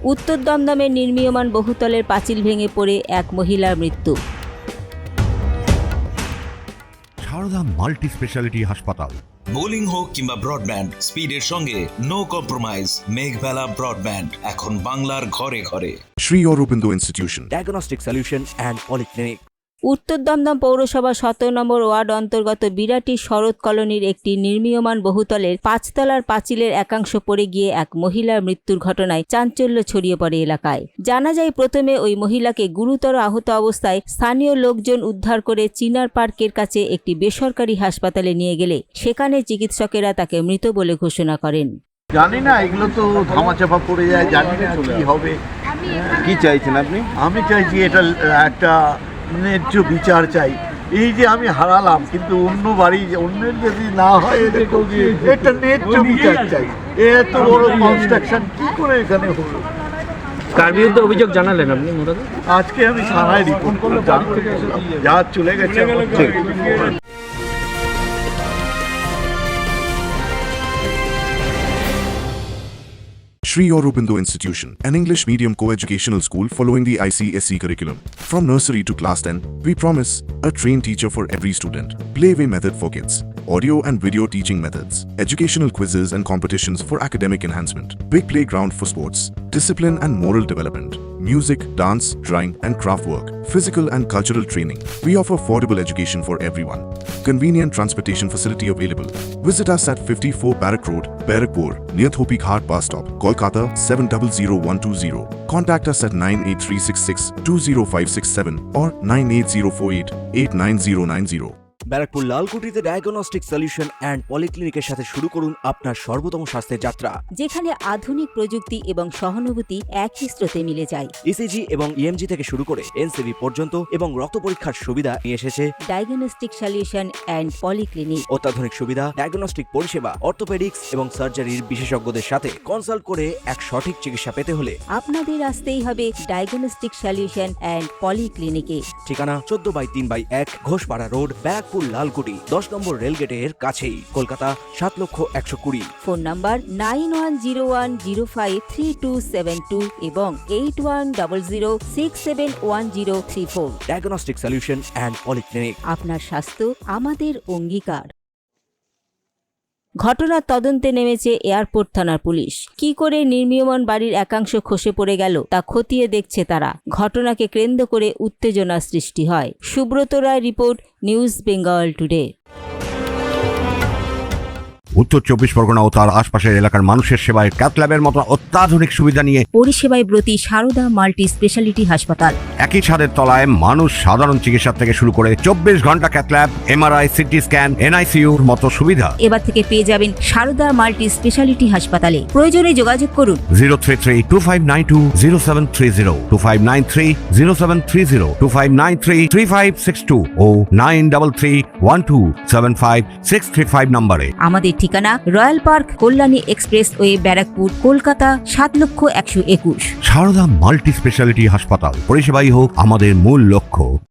উত্তর দমদমের নির্মীয়মান বহুতলের পাঁচিল ভেঙে পড়ে এক মহিলার মৃত্যু। সারদা মাল্টি স্পেশালিটি হাসপাতাল। বোলিং হোক কিংবা ব্রডব্যান্ড, স্পিডের সঙ্গে নো কম্প্রোমাইজ। মেঘবেলা ব্রডব্যান্ড এখন বাংলার ঘরে ঘরে। Sri Aurobindo Institution, Diagnostic Solution and Polyclinic। উত্তর দমদম পৌরসভা 17 নম্বর ওয়ার্ড অন্তর্গত বিরাটি শরৎ কলোনির একটি নির্মীয়মান বহুতলের 5 তলার পাঁচিলের একাংশ পড়ে গিয়ে এক মহিলার মৃত্যুর ঘটনায় চাঞ্চল্য ছড়িয়ে পড়ে এলাকায়। জানা যায়, প্রথমে ওই মহিলাকে গুরুতর আহত অবস্থায় স্থানীয় লোকজন উদ্ধার করে চিনার পার্কের কাছে একটি বেসরকারি হাসপাতালে নিয়ে গেলে সেখানে চিকিৎসকেরা তাকে মৃত বলে ঘোষণা করেন। জানি না, এগুলো তো ধামাচাপা পড়ে যায়, জানি না কি হবে। কি চাইছেন আপনি? আমি চাইছি এটা একটা ন্যায্য বিচার চাই। এই যে আমি হারালাম, কিন্তু অন্য বাড়ি অন্যের যদি না হয়, একটা ন্যায্য বিচার চাই। এত বড় কনস্ট্রাকশন কি করে এখানে হলো? কার বিরুদ্ধে অভিযোগ জানালেন আপনি? আজকে আমি থানায় রিপোর্ট করলাম, যা চলে গেছে। Sri Aurobindo Institution, an English medium co-educational school following the ICSE curriculum. From nursery to class 10, we promise a trained teacher for every student, playway method for kids, audio and video teaching methods, educational quizzes and competitions for academic enhancement, big playground for sports, discipline and moral development, music, dance, drawing and craft work, physical and cultural training. We offer affordable education for everyone. Convenient transportation facility available. Visit us at 54 Barrack Road, Barrackpur, near Thopi Ghat bus stop, Kolkata 700120. Contact us at 98366 20567 or 98048 89090. Barrackpore লালকুটিতে diagnostic solution and পলিক্লিনিকের সাথে শুরু করুন আপনার সর্বোত্তম স্বাস্থ্যের যাত্রা, যেখানে আধুনিক প্রযুক্তি এবং সহানুভূতি একই স্রোতে মিলে যায়। ইসিজি এবং ইএমজি থেকে শুরু করে এনসিবি পর্যন্ত এবং রক্ত পরীক্ষার সুবিধা নিয়ে এসেছে ডায়াগনস্টিক সলিউশন অ্যান্ড পলিক্লিনিক। অত্যাধুনিক সুবিধা, ডায়াগনস্টিক পরিষেবা, অর্থোপেডিক্স এবং সার্জারির বিশেষজ্ঞদের সাথে কনসাল্ট করে এক সঠিক চিকিৎসা পেতে হলে আপনাদের আসতেই হবে ডায়াগনস্টিক সলিউশন অ্যান্ড পলিক্লিনিকে। ঠিকানা 14/3/1 ঘোষপাড়া রোড, ব্যারাকপুর লালকুটি, 10 নম্বর রেলগেটের কাছেই, কলকাতা 7,120,000। ফোন নাম্বার 9101053272 এবং 8100671034। Diagnostic solution and polyclinic. আপনার স্বাস্থ্য আমাদের অঙ্গীকার। ঘটনার তদন্তে নেমেছে এয়ারপোর্ট থানার পুলিশ। কি করে নির্মীয়মান বাড়ির একাংশ খসে পড়ে গেল তা খতিয়ে দেখছে তারা। ঘটনাকে কেন্দ্র করে উত্তেজনা সৃষ্টি হয়। Subrata Roy report, news Bengal today. উত্তর 24 পরগনা ও তার আশপাশের এলাকার মানুষের সেবায় ক্যাথল্যাবের মতো অত্যাধুনিক সুবিধা নিয়ে পরিষেবায় ব্রতী সারদা মাল্টি স্পেশালিটি হাসপাতাল। একই ছাদের তলায় মানুষ সাধারণ চিকিৎসা থেকে শুরু করে 24 ঘন্টা ক্যাথল্যাব, এমআরআই, সিটি স্ক্যান, এনআইসিইউর মতো সুবিধা এবার থেকে পেয়ে যাবেন সারদা মাল্টি স্পেশালিটি হাসপাতালে। প্রয়োজনে যোগাযোগ করুন 033-2592-0730, 2593-0730, 2593-3562 ও 9331275635 নম্বরে। আমাদের ঠিকানা royal park, Kalyani expressway, Barrackpore, Kolkata 7,121,000। Sarada multi speciality হাসপাতাল, পরিষেবাই হোক আমাদের মূল লক্ষ্য।